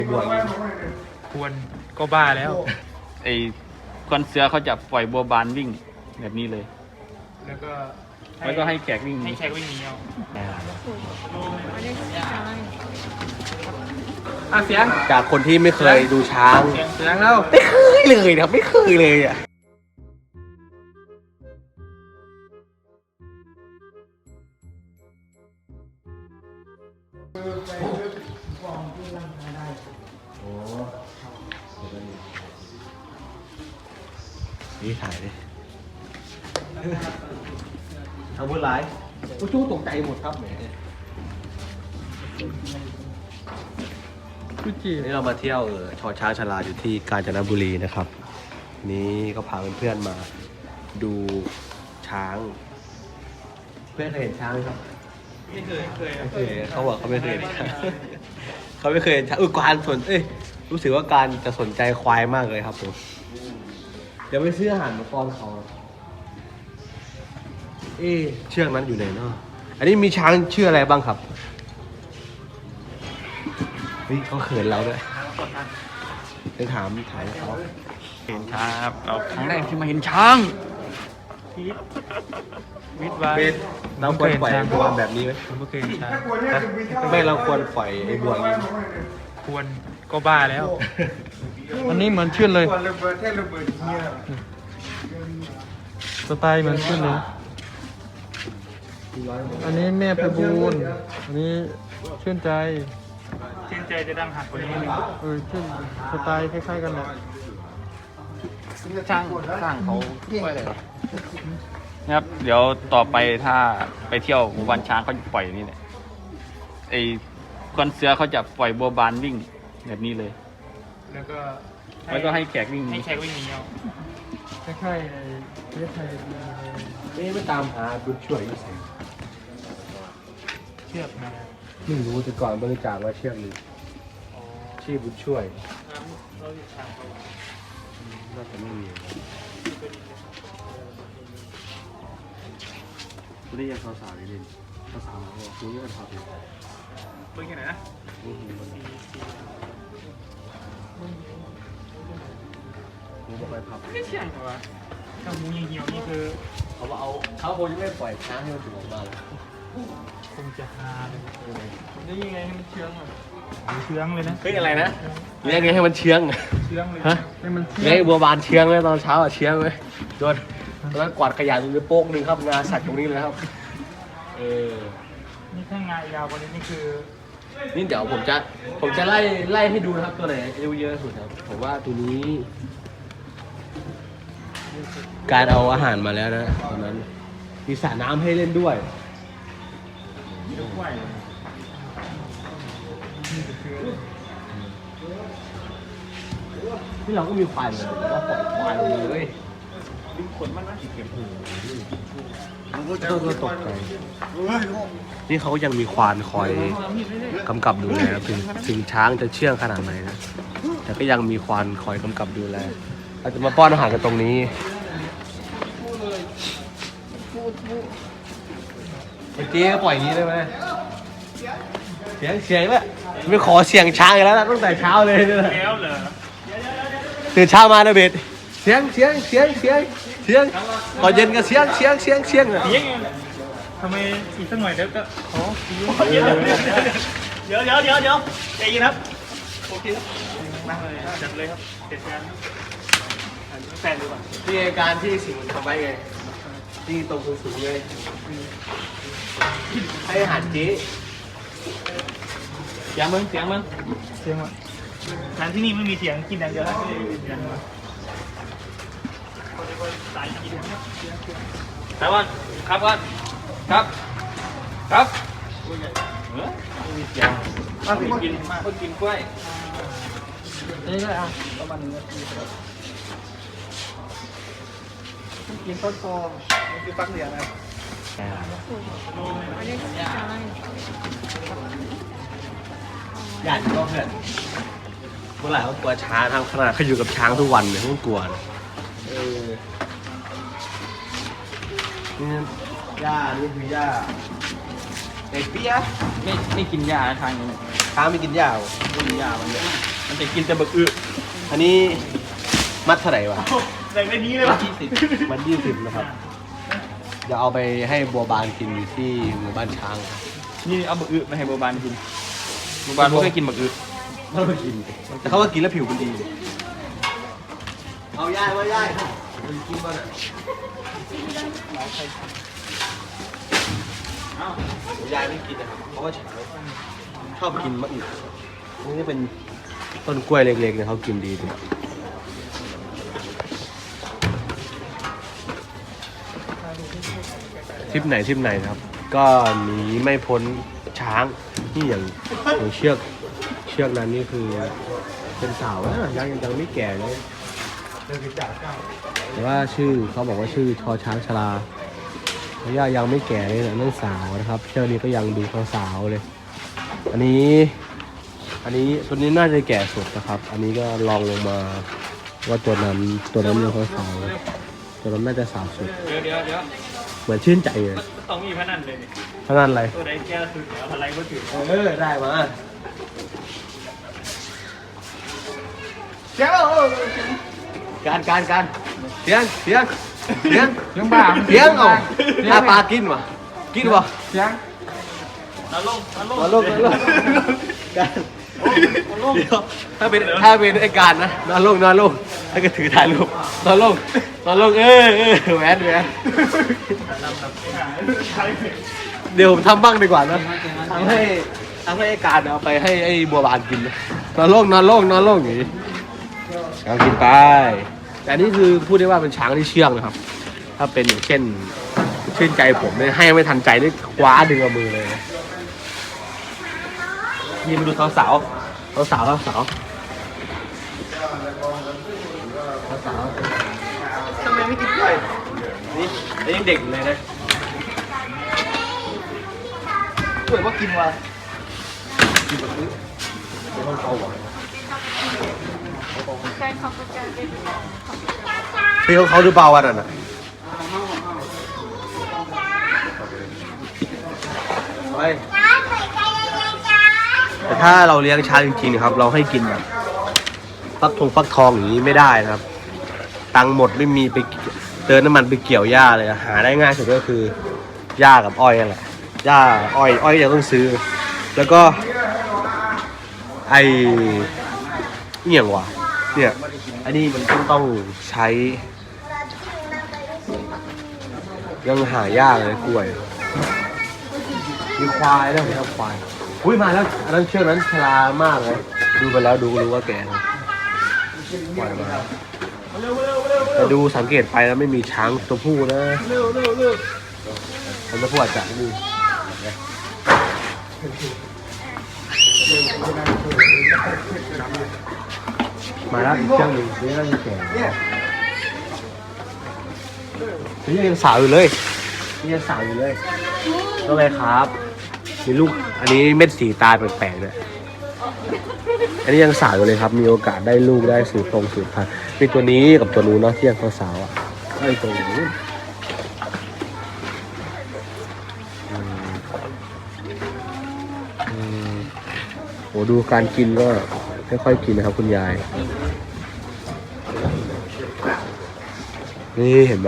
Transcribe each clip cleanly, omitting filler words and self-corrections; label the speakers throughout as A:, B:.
A: บวก
B: ควรก็บ้าแล้ว
C: ไอ้ควันเสือเขาจะปล่อยบัวบานวิ่งแบบนี้เลย
B: แล้วก็
C: ให้แขกวิ่ง
B: ให้แขกวิ่งหนีเอาเสียง
A: จากคนที่ไม่เคยดูช้าง
B: เสียงแล้ว
A: ไม่เคยเลยครับไม่เคยเลยอ่ะนี่ถ่ายดิทำบุญหลายผู้ชู้ตกใจหมดครับแหมนี่เรามาเที่ยวชอช้างชลาอยู่ที่กาญจนบุรีนะครับนี้ก็พาเพื่อนๆมาดูช้างเพื่อนเคยเห็นช้างไหมครับ
B: ไม่เคย
A: เขาบอกเขาไม่เคยเห็นช้างเขาไม่เคยเห็นช้างการรู้สึกว่าการจะสนใจควายมากเลยครับผมเดี๋ยวไปซื้ออาหารมาป้อนเขาเชือกนั้นอยู่ไหนเนาะอันนี้มีช้างชื่ออะไรบ้างครับเขาเขินเราด้วยไปถามเขา
C: เห็นช้างครับเราครั้งแรกที่มาเห็นช้าง
B: วิทย์ว่า
A: เราควรปล่อยบัวแบบนี้ไหม
B: ไม่เคยเห็นช้าง
A: ไม่เราควรปล่อยไอ้บัวอย่างนี้
B: ควรก็บ้าแล้วอันนี้เหมือนชื่นเลยสไตล์เหมือนชื่นเลยอันนี้แม่ไพบูลย์อันนี้ชื่นใจจะดังหักกว่านี้ชื่นสไตล์คล้ายๆกันเลย
C: ช้างเขาปล่อยอะไรนะครับเดี๋ยวต่อไปถ้าไปเที่ยวหมู่บ้านช้างเขาปล่อยนี่แหละไอ้ควันเสือเขาจะปล่อยบัวบานวิ่งแบบนี้เลยแล้วก็ให้แขกวิ่งหนี
B: เอาคล้ายๆประเทศไทย
A: ไม่ตามหาบุญช่วยอยู่ไหน
B: เชือกนะ
A: ไม่รู้แต่ก่อนบริจาคว่าเชือกนี้ชื่อบุญช่วยน่าจะไม่มีคุณได้ยังสาวๆอยู่ดิสาวๆบอกคุณนี่เป็นสาวอยู่
B: เพิ่งยังไงนะ
A: มึงบอกไปพับ
B: ไม่เชี่ยงเหรอวะถ้ามูยังเหี่ยวนี่คือ
A: เขาคงจะไม่ปล่อยช้างให้มันถึงออกมา
B: คงจะฮาเลยนี่ยังไงให้มันเชื่องอ่ะเชื่องเลยนะ
A: อะไรนะเลี้ยงไงให้มันเชื่อง
B: เลยฮะให้มัน
A: เลี้ยงบัวบานเชื่องเลยตอนเช้าเชื่องเลยโดนแล้วกวาดขยะตรงนี้โป๊กนึงครับงาสัตว์ตรงนี้เลยครับ
B: นี่ถ้างายาวกว่านี้นี่คือ
A: นี่เดี๋ยวผมจะไล่ให้ดูนะครับตัวไหนอายุเยอะสุดครับผมว่าตัวนี้การเอาอาหารมาแล้วนะตอนนั้นมีสระน้ำให้เล่นด้วยที่เราก็มีควายเลยเราปล่อยควายเลยดึงขนมันนะเก็บหูก็ตกใจนี่เขายังมีควานคอยกำกับดูแลถึงช้างจะเชื่องขนาดไหนนะแต่ก็ยังมีควานคอยกำกับดูแลอาจจะมาป้อนอาหารกันตรงนี้เมื่อกี้ปล่อยอย่างนี้ได้ไหมเสียงเลยไม่ขอเสียงช้างแล้วตั้งแต่เช้าเลย
B: แล้วเหรอ
A: ตื่นเช้ามานะเบสเสียงตอนเย็นก็เสียง
B: ทำไมอีกสักหน่อยเดี๋ยวก็ขอเดี๋ยวใจเย็นครับโอเคครับมาเลยจัดเลยครับเสร็จงานแฟนดีกว่า
A: ที่การที่สิ่งมันทำไว้ไงที่ตรงสูงเลยให้อาหารเจ๊
C: เสียงมัน
B: ร้านที่นี่ไม่มีเสียงกินอย่างเดียวครับสายกิน
C: แต่ว่าครับไม่มีเสียงคนกินกล้วย
B: นี่ก็ประมาณ1 นาทีกินต้นโตนี่คือฟักเหลียงนะ
A: ญาติก็เพื่อนเมื่อไหร่เขากลัวช้างทางขนาดเขาอยู่กับช้างทุกวันเนี่ยเขากลัวนี่ย่านี่คือย่าเปี๊ยะ
C: ไม่กินยาทางนี้
A: ช้างไม่กินหญ้าเหรอ
C: กินยามันเนี่ยมันจะกินแต่บักอึ
A: อันนี้มัดเท่าไหร่วะ
C: แรงได้นี้เลยวะ
A: มัน20นะครับจะเอาไปให้บัวบานกินอยู่ที่หมู่บ้านช้าง
C: นี่เอาบักอึมาให้บัวบานกินบัวบานไม่เคยกินบักอึ
A: เขาไปกินแต่เขาว่ากินแล้วผิวมันดีเอาย่ายว่าย่ายมันกินบ้างอ่ะย่ายไม่กินนะครับเพราะว่าช้างชอบกินมะอึนี่เป็นต้นกล้วยเล็กๆเนี่ยเขากินดีด้วยทริปไหนนะครับ ก็หนีไม่พ้นช้างนี่อย่างเชือกนั้นนี่คือเป็นสาวนะยังไม่แก่เลยแต่ว่าชื่อเขาบอกว่าชื่อชอช้างชราเพราะว่ายังไม่แก่เลยนะนั่นสาวนะครับเชือกนี้ก็ยังดูสาวเลย อันนี้ตัวนี้น่าจะแก่สุดนะครับ อันนี้ก็ลองลงมาว่าตัวนั้นยังสาวตัวนั้นน่าจะสาวสุด
C: เดี๋ยว
A: เหมือนชื่นใจเลย
C: ต้องมีพนันเลยนี่
A: พนันอะไร
C: ตัวใดแก้สุดแล้วอะไรก็ถือ
A: ได้มาการเสียง
B: ยังบ้า
A: เสียงเอาถ้าปลากินวะ
B: เสียง
C: นอนลง
A: มาลงการเดี๋ยวถ้าเป็นไอ้การนะนอนลงถ้าก็ถือถ่ายรูปนอนลงแหวนเดี๋ยวผมทำบ้างดีกว่านะทำให้ไอ้การเอาไปให้ไอ้บัวบานกินนอนลงอย่างนี้ช้างกินไปแต่นี่คือพูดได้ว่าเป็นช้างที่เชื่องนะครับ ถ้าเป็นอย่างเช่นชื่นใจผมเนี่ยให้ไม่ทันใจได้คว้าดึงเอามือเลยนี่มาดูสาวทำไมไม่กินกล้วยนี่ยังเด็กอยู่เลยนะกล้วยว่ากินวะกินแบบนี้เดี๋ยวเขาหวานพี่เขาหรือเปล่าวันนั้นอ่ะแต่ถ้าเราเลี้ยงช้างจริงๆนะครับเราให้กินแบบฟักทองอย่างนี้ไม่ได้นะครับตังค์หมดไม่มีไปเติมน้ำมันไปเกี่ยวหญ้าเลยหาได้ง่ายสุดก็คือหญ้ากับอ้อยนั่นแหละหญ้าอ้อยยังต้องซื้อแล้วก็ไอเนี่ยว่ะเนี่ยอันนี้มันต้องใช้ยังหายากเลยกล้วยมีควายด้วยครับควายอุ้ยมาแล้วอันนั้นเชือกนั้นชรามากเลยดูไปแล้วดูรู้ว่าแก่ควายมาแต่ดูสังเกตไปแล้วไม่มีช้างตัวผู้นะมันตัวผู้อาจจะดูมาแล้วอีกเชือกหนึ่งนี่น่าจะแก่นี่ยังสาวอยู่เลยก็เลยครับมีลูกอันนี้เม็ดสีตาแปลกๆเนี่ยอันนี้ยังสาวอยู่เลยครับมีโอกาสได้ลูกได้สืบพันธุ์มีตัวนี้กับตัวนู้นเนาะที่ยังสาวอ่ะไอ้ตัวนี้โหดูการกินก็ค่อยๆกินนะครับคุณยายนี่เห็นไหม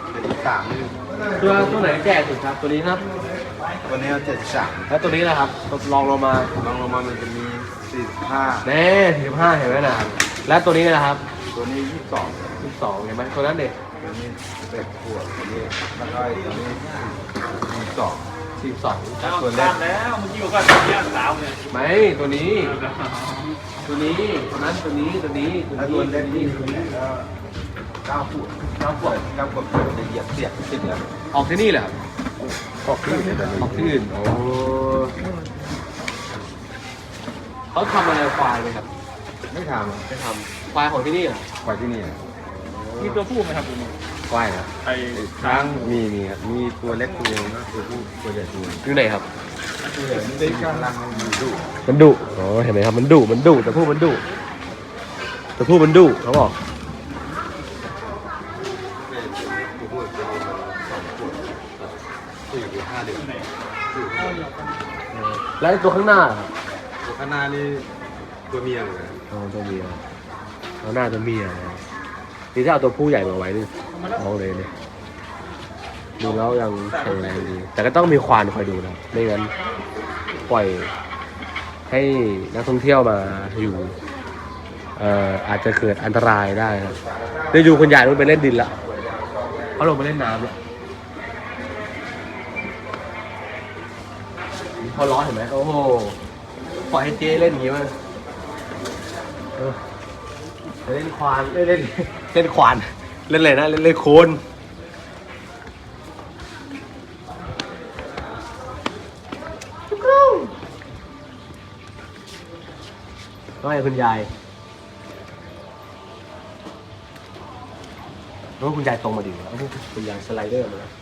A: ตัวไหนแก่สุดครับตัวนี้ครับ
B: วันนี้73
A: แล้วตัวนี้นะครับลองลงมา
B: มันจะมี45
A: เน่45เห็นไหมนะแล้วตัวนี้นะครับ
B: ตัวนี้
A: 22เห็นไหมตัวนั้นเด็ก
B: ตัวนี้11ขวบตัวนี้แล้วก็ตัวนี้
A: 42
C: ตัวแรกแล้วเมื่อกี้บอกว่าย่างสาวเนี่ย
A: ไม่ตัวนี้ตัวนั้นตัวนี้
B: แล้วตัวเล็กนี่9 ขวบจะเหยียบเสียบติดแล้ว
A: ออกที่นี่แหละครับ
B: ออกที่
A: อื่นโอ้เขาทำอะไรควายไหมครับ
B: ไม่ท
A: ำควายของที่นี่เหรอ
B: ควายที่นี่
C: มีตัวผู้ไหมครับคุณ
B: ควายนะไอ้ช้างมีครับมีตัวเล็กตัวนึงนะตัวผู้ตัวใหญ่ตัว
A: อยู่ไหนครับ
B: ตัวใหญ่มันได้กำลัง
A: มันดุอ๋อเห็นไหมครับมันดุแต่ผู้มันดุเขาบอกแล้วตัวข้างหน้า
B: ข้างหน้านี่ตัวเมียเลย
A: เอาตัวเมียเอาหน้าตัวเมียนะนี่ถ้าเอาตัวผู้ใหญ่มาไว้นี่เอาเลยเนี่ยดูแล้วยังแข็งแรงดี แต่ก็ต้องมีควานคอยดูนะไม่งั้นปล่อยให้นักท่องเที่ยวมาอยู่อาจจะเกิดอันตรายได้ครับได้ดูคนใหญ่ลงไปเล่นดินละเขาลงไปเล่นน้ำแล้วพอร้อนเห็นไหมโอ้โหปล่อยให้เจ๊เล่นอย่างนี้มั้งเล่นควานเล่นควานเล่นอะไรนะเล่นโคลนก็ให้คุณยายแล้วคุณยายตรงมาดิแล้วคุณยายสไลเดอร์มาแล้ว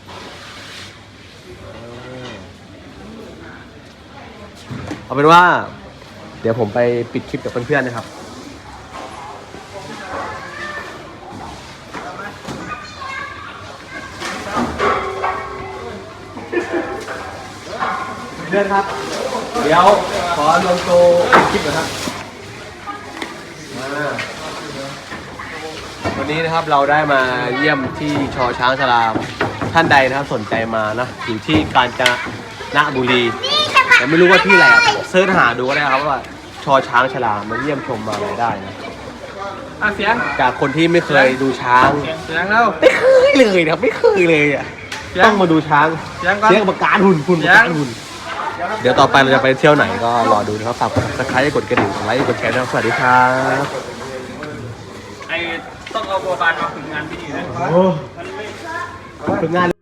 A: เอาเป็นว่า เดี๋ยวผมไปปิดคลิปกับเพื่อนๆนะครับเพื่อนครับ เดี๋ยวขอลงโตคลิปหน่อยครับวันนี้นะครับเราได้มาเยี่ยมที่ชอช้างชลามท่านใดนะครับสนใจมานะอยู่ที่กาญจนบุรีแต่ไม่รู้ว่าที่ไหนเสิร์ชหาดูก็ได้ครับว่าชอช้างชลามมาเยี่ยมชมมาอะไรได้นะ
B: เสียง
A: จากคนที่ไม่เคยดูช้าง
B: เสียงแล้ว
A: ไม่เคยเลยนะครับไม่เคยเลยอ่ะต้องมาดูช้าง
B: เสียงก่อน
A: เสียงประการหุ่นประการหุ่นเดี๋ยวต่อไปเราจะไปเที่ยวไหนก็รอดูนะครับฝากกด subscribe กดกระดิ่งกดไลค์กดแชร์ด้วยสวัสดีครับ
C: ไอ้ต้องเอาบัวบานมาฝึกงานที่นี่นะ
A: ฝึกงาน